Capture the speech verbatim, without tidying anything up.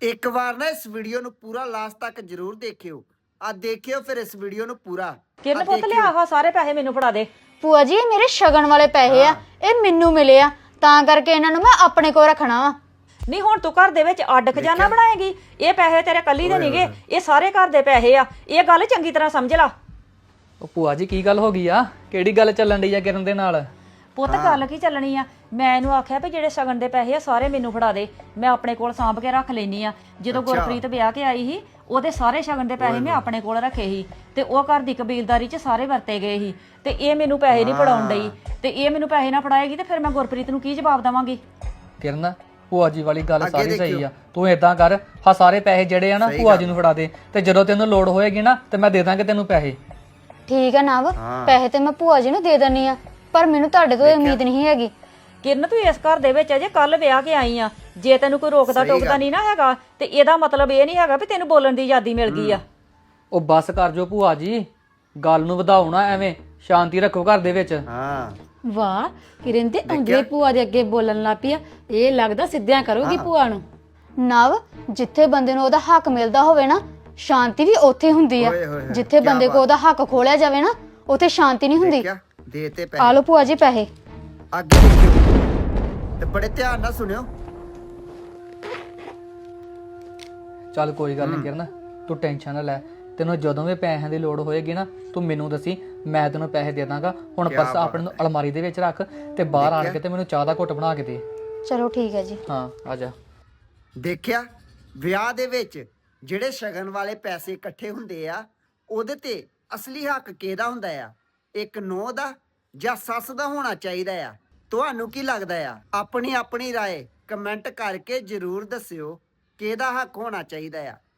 ਇੱਕ ਵਾਰ ਨਾ ਇਸ ਵੀਡੀਓ ਨੂੰ ਪੂਰਾ ਲਾਸਟ ਤੱਕ ਜ਼ਰੂਰ ਦੇਖਿਓ। ਆ ਦੇਖਿਓ ਫਿਰ ਇਸ ਵੀਡੀਓ ਨੂੰ ਪੂਰਾ। ਕਿਰਨ ਪੁੱਤ ਲਿਆ ਆਹ ਸਾਰੇ ਪੈਸੇ ਮੈਨੂੰ ਫੜਾ ਦੇ। ਭੂਆ ਜੀ ਇਹ ਮੇਰੇ ਸ਼ਗਨ ਵਾਲੇ ਪੈਸੇ ਆ, ਇਹ ਮੈਨੂੰ ਮਿਲੇ ਆ, ਤਾਂ ਕਰਕੇ ਇਹਨਾਂ ਨੂੰ ਮੈਂ ਆਪਣੇ ਕੋਲ ਰੱਖਣਾ ਵਾ। ਨਹੀਂ ਹੁਣ ਤੂੰ ਘਰ ਦੇ ਵਿੱਚ ਅੱਡ ਖਜ਼ਾਨਾ ਬਣਾਏਗੀ? ਇਹ ਪੈਸੇ ਤੇਰੇ ਕੱਲੀ ਦੇ ਨਹੀਂਗੇ, ਇਹ ਸਾਰੇ ਘਰ ਦੇ ਪੈਸੇ ਆ। ਇਹ ਗੱਲ ਚੰਗੀ ਤਰ੍ਹਾਂ ਸਮਝ ਲਾ। ਉਹ ਭੂਆ ਜੀ ਕੀ ਗੱਲ ਹੋ ਗਈ ਆ? ਕਿਹੜੀ ਗੱਲ ਚੱਲਣ ਡਈ ਆ ਕਿਰਨ ਦੇ ਨਾਲ? ਪੁੱਤ ਗੱਲ ਕੀ ਚੱਲਣੀ ਆ, ਮੈਂ ਇਹਨੂੰ ਆਖਿਆ ਵੀ ਜਿਹੜੇ ਸ਼ਗਨ ਦੇ ਪੈਸੇ ਆ ਸਾਰੇ ਮੈਨੂੰ ਫੜਾ ਦੇ, ਮੈਂ ਆਪਣੇ ਕੋਲ ਸਾਂਭ ਕੇ ਰੱਖ ਲੈਣੀ ਆ। ਜਦੋਂ ਗੁਰਪ੍ਰੀਤ ਵਿਆਹ ਕੇ ਆਈ ਸੀ ਉਹਦੇ ਸਾਰੇ ਸ਼ਗਨ ਦੇ ਪੈਸੇ ਮੈਂ ਆਪਣੇ ਕੋਲ ਰੱਖੇ ਸੀ ਤੇ ਉਹ ਘਰ ਦੀ ਕਬੀਲਦਾਰੀ 'ਚ ਸਾਰੇ ਵਰਤੇ ਗਏ ਸੀ ਤੇ ਇਹ ਮੈਨੂੰ ਪੈਸੇ ਨਹੀਂ ਫੜਾਉਣ ਡਈ ਤੇ ਇਹ ਮੈਨੂੰ ਪੈਸੇ ਨਾ ਫੜਾਏਗੀ ਤੇ ਫਿਰ ਮੈਂ ਗੁਰਪ੍ਰੀਤ ਨੂੰ ਕੀ ਜਵਾਬ ਦੇਵਾਂਗੀ? ਕਿਰਨ ਭੂਆ ਜੀ ਵਾਲੀ ਗੱਲ ਸਾਰੀ ਸਹੀ ਆ। ਤੂੰ ਏਦਾਂ ਕਰ, ਹਾਂ ਸਾਰੇ ਪੈਸੇ ਜਿਹੜੇ ਆ ਨਾ ਭੂਆ ਜੀ ਨੂੰ ਫੜਾ ਦੇ ਤੇ ਜਦੋਂ ਤੈਨੂੰ ਲੋੜ ਹੋਏਗੀ ਨਾ ਤੇ ਮੈਂ ਦੇ ਦਾਂਗੇ ਤੈਨੂੰ ਪੈਸੇ। ਠੀਕ ਆ ਨਵ, ਪੈਸੇ ਤੇ ਮੈਂ ਭੂਆ ਜੀ ਨੂੰ ਦੇ ਦਿੰਨੀ ਆ, ਪਰ ਮੈਨੂੰ ਤੁਹਾਡੇ ਤੋਂ ਉਮੀਦ ਨਹੀਂ ਹੈਗੀ। ਕਿਰਨ ਤੂੰ ਇਸ ਘਰ ਦੇ ਵਿੱਚ ਅਜੇ ਕੱਲ ਵਿਆਹ ਕੇ ਆਈ ਆ, ਜੇ ਤੈਨੂੰ ਕੋਈ ਰੋਕਦਾ ਟੋਕਦਾ ਨਹੀਂ ਨਾ ਹੈਗਾ ਤੇ ਇਹਦਾ ਮਤਲਬ ਇਹ ਨਹੀਂ ਹੈਗਾ ਵੀ ਤੈਨੂੰ ਬੋਲਣ ਦੀ ਆਜ਼ਾਦੀ ਮਿਲ ਗਈ ਆ। ਉਹ ਬੱਸ ਕਰ ਜੋ ਭੂਆ ਜੀ, ਗੱਲ ਨੂੰ ਵਧਾਓ ਨਾ, ਐਵੇਂ ਸ਼ਾਂਤੀ ਰੱਖੋ ਘਰ ਦੇ ਵਿੱਚ। ਹਾਂ ਵਾਹ ਕਿਰਨ ਤੇ ਆਉਂਦੇ ਭੂਆ ਦੇ ਅੱਗੇ ਬੋਲਣ ਲੱਗ ਪਈ ਆ, ਇਹ ਲੱਗਦਾ ਸਿੱਧਿਆਂ ਕਰੂਗੀ ਭੂਆ ਨੂੰ। ਨਵ, ਜਿੱਥੇ ਬੰਦੇ ਨੂੰ ਉਹਦਾ ਹੱਕ ਮਿਲਦਾ ਹੋਵੇ ਨਾ, ਸ਼ਾਂਤੀ ਵੀ ਉੱਥੇ ਹੁੰਦੀ ਆ। ਜਿੱਥੇ ਬੰਦੇ ਕੋ ਉਹਦਾ ਹੱਕ ਖੋਲਿਆ ਜਾਵੇ ਨਾ, ਉੱਥੇ ਸ਼ਾਂਤੀ ਨਹੀਂ ਹੁੰਦੀ। ਦੇ ਤੇ ਆ ਪੈਸੇ ਲਓ ਭੂਆ ਜੀ ਪੈਸੇ। ਅੱਗੇ ਦੇਖਿਓ ਤੇ ਬੜੇ ਧਿਆਨ ਨਾਲ ਸੁਣਿਓ। ਚੱਲ ਕੋਈ ਗੱਲ ਨਹੀਂ ਕਿਰਨ, ਤੂੰ ਟੈਨਸ਼ਨ ਨਾ ਲੈ। ਤੈਨੂੰ ਜਦੋਂ ਵੀ ਪੈਸਿਆਂ ਦੀ ਲੋੜ ਹੋਏਗੀ ਨਾ ਤੂੰ ਮੈਨੂੰ ਦੱਸੀ, ਮੈਂ ਤੈਨੂੰ ਪੈਸੇ ਦੇ ਦਾਂਗਾ। ਹੁਣ ਪਰਸ ਆਪਣੇ ਨੂੰ ਅਲਮਾਰੀ ਦੇ ਵਿੱਚ ਰੱਖ ਤੇ ਬਾਹਰ ਆਣ ਕੇ ਤੇ ਮੈਨੂੰ ਚਾਹ ਦਾ ਘੁੱਟ ਬਣਾ ਕੇ ਦੇ। ਚਲੋ ਠੀਕ ਹੈ ਜੀ। ਹਾਂ ਆ ਜਾ। ਦੇਖਿਆ, ਵਿਆਹ ਦੇ ਵਿੱਚ ਜਿਹੜੇ ਸ਼ਗਨ ਵਾਲੇ ਪੈਸੇ ਇਕੱਠੇ ਹੁੰਦੇ ਆ ਉਹਦੇ ਤੇ ਅਸਲੀ ਹੱਕ ਕਿਹਦਾ ਹੁੰਦਾ ਆ? ਇੱਕ ਨੂੰਹ ਦਾ ਜਾਂ ਸੱਸ ਦਾ ਹੋਣਾ ਚਾਹੀਦਾ ਆ? ਤੁਹਾਨੂੰ ਕੀ ਲੱਗਦਾ ਆ? ਆਪਣੀ ਆਪਣੀ ਰਾਏ ਕਮੈਂਟ ਕਰਕੇ ਜ਼ਰੂਰ ਦੱਸਿਓ ਕਿਹਦਾ ਹੱਕ ਹੋਣਾ ਚਾਹੀਦਾ ਆ।